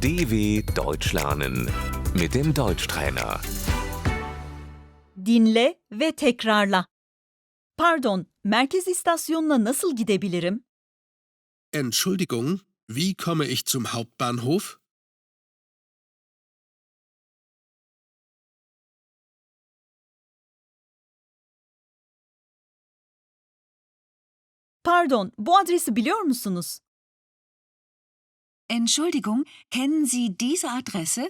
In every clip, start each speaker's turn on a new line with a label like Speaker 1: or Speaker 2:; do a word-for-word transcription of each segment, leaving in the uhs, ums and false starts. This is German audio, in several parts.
Speaker 1: D W Deutsch lernen mit dem Deutschtrainer.
Speaker 2: Dinle ve tekrarla. Pardon, merkez istasyonuna nasıl gidebilirim?
Speaker 3: Entschuldigung, wie komme ich zum Hauptbahnhof?
Speaker 2: Pardon, bu adresi biliyor musunuz?
Speaker 4: Entschuldigung, kennen Sie diese Adresse?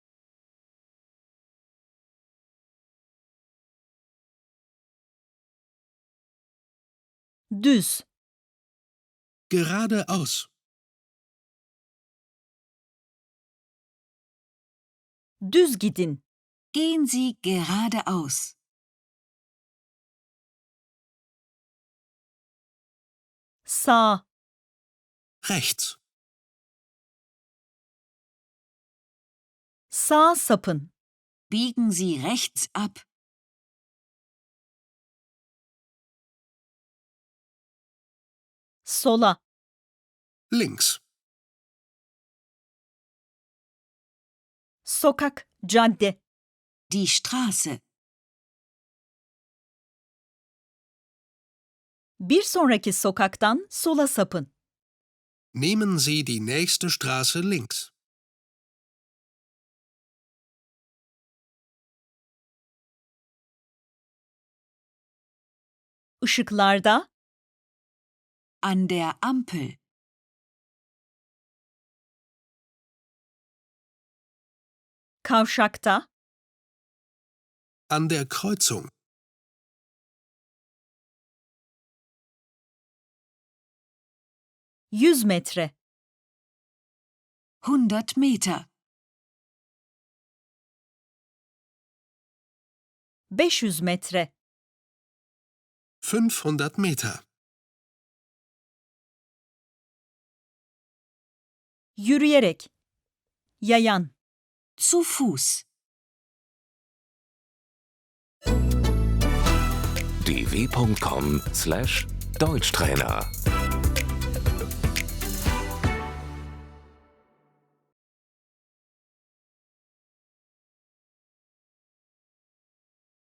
Speaker 2: Düz,
Speaker 3: Geradeaus.
Speaker 2: düz gidin.
Speaker 4: Gehen Sie geradeaus.
Speaker 2: Sağ,
Speaker 3: Rechts.
Speaker 2: sağa sapın.
Speaker 4: Biegen Sie rechts ab.
Speaker 2: Sola,
Speaker 3: Links.
Speaker 2: sokak, cadde.
Speaker 4: Die Straße.
Speaker 2: Bir sonraki sokaktan sola sapın.
Speaker 3: Nehmen Sie die nächste Straße links.
Speaker 2: Işıklarda,
Speaker 4: An der Ampel.
Speaker 2: kavşakta,
Speaker 3: An der Kreuzung.
Speaker 2: yüz metre.
Speaker 4: hundert Meter.
Speaker 2: beş yüz metre.
Speaker 3: fünfhundert Meter.
Speaker 2: Yürüyerek. Yayan.
Speaker 4: Zu Fuß.
Speaker 1: d w punkt com slash Deutschtrainer